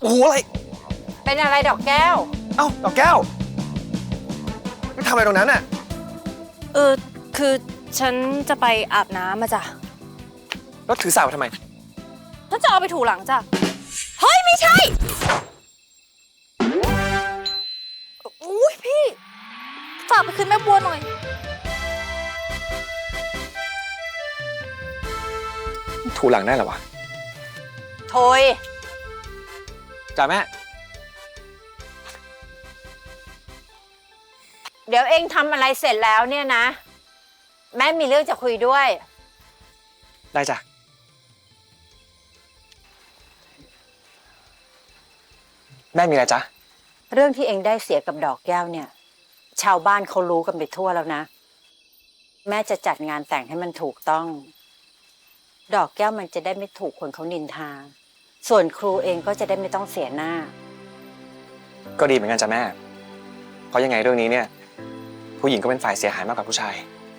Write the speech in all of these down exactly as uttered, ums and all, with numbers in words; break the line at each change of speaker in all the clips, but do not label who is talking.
โอ้โหอะไร
เป็นอะไรดอกแก้ว
เอ้าดอกแก้วไม่ทำอะไรตรงนั้นน่ะ
เออคือฉันจะไปอาบน้ำมาจ้ะ
แล้วถือสาวทำไม
ฉันจะเอาไปถูหลังจ้ะเฮ้ยไม่ใช่อุ้ยพี่ฝากไปคืนแม่บัวหน่อย
ถูหลังได้เหรอวะ
โถย
จ้าแม่
เดี๋ยวเองทำอะไรเสร็จแล้วเนี่ยนะแม่มีเรื่องจะคุยด้วย
ได้จ้ะแม่มีอะไรจ๊ะ
เรื่องที่เองได้เสียกับดอกแก้วเนี่ยชาวบ้านเขารู้กันไปทั่วแล้วนะแม่จะจัดงานแต่งให้มันถูกต้องดอกแก้วมันจะได้ไม่ถูกคนเขานินทาส่วนครูเองก็จะได้ไม่ต้องเสียหน้า
ก็ดีเหมือนกันจ้ะแม่เพราะยังไงเรื่องนี้เนี่ยผู้หญิงก็เป็นฝ่ายเสียหายมากกว่าผู้ชาย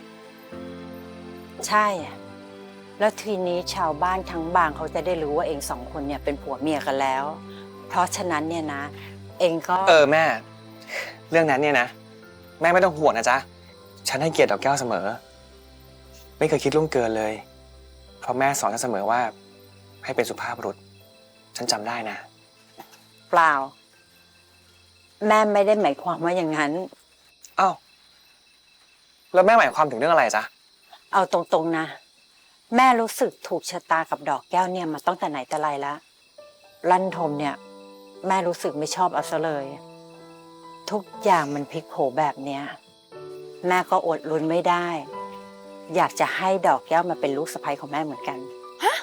ใช่แล้วทีนี้ชาวบ้านทั้งบางเขาจะได้รู้ว่าเองสองคนเนี่ยเป็นผัวเมียกันแล้วเพราะฉะนั้นเนี่ยนะเองก็
เออแม่เรื่องนั้นเนี่ยนะแม่ไม่ต้องห่วงนะจ๊ะฉันให้เกียรติดอกแก้วเสมอไม่เคยคิดล่วงเกินเลยเพราะแม่สอนฉันเสมอว่าให้เป็นสุภาพบุรุษฉันจำได้นะ
เปล่าแม่ไม่ได้หมายความว่าอย่างนั้น
อ้าวแล้วแม่หมายความถึงเรื่องอะไรจ๊ะ
เอาตรงๆนะแม่รู้สึกถูกชะตากับดอกแก้วเนี่ยมาตั้งแต่ไหนแต่ไรแล้วลั่นทมเนี่ยแม่รู้สึกไม่ชอบเอาซะเลยทุกอย่างมันพลิกโผแบบเนี้ยแม่ก็อดลุ้นไม่ได้อยากจะให้ดอกแก้วมาเป็นลูกสะใภ้ของแม่เหมือนกันฮะ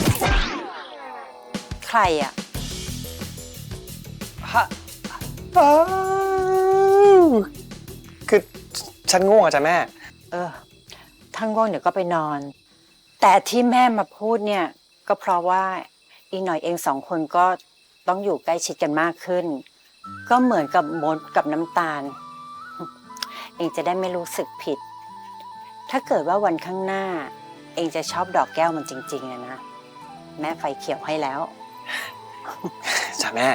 ใครอ่ะ
ฮะคือฉันง่วงอะจ๊ะแม่
เออถ้าง่วงเดี๋ยวก็ไปนอนแต่ที่แม่มาพูดเนี่ยก็เพราะว่าอีกหน่อยเองสองคนก็ต้องอยู่ใกล้ชิดกันมากขึ้นก็เหมือนกับมดกับน้ำตาลเองจะได้ไม่รู้สึกผิดถ้าเกิดว่าวันข้างหน้าเองจะชอบดอกแก้วมันจริงๆอะนะแม่ไฟเขียวให้แล้ว
จ้ะแม่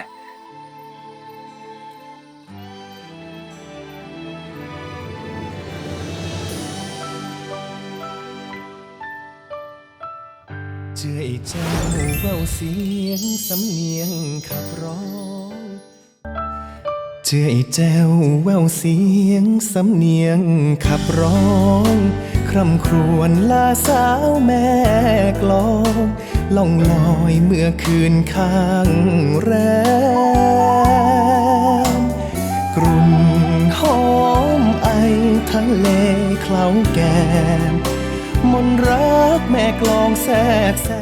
เจือไอ้เจ้าแววเสียงสำเนียงขับร้องเจือไอ้เจ้าแววเสียงสำเนียงขับร้องคร่ำครวญลาสาวแม่กลองล่องลอยเมื่อคืนข้างแรมกลุ่นหอมไอทะเลเคล้าแก้มมนรักแม่กลองแทรกแซ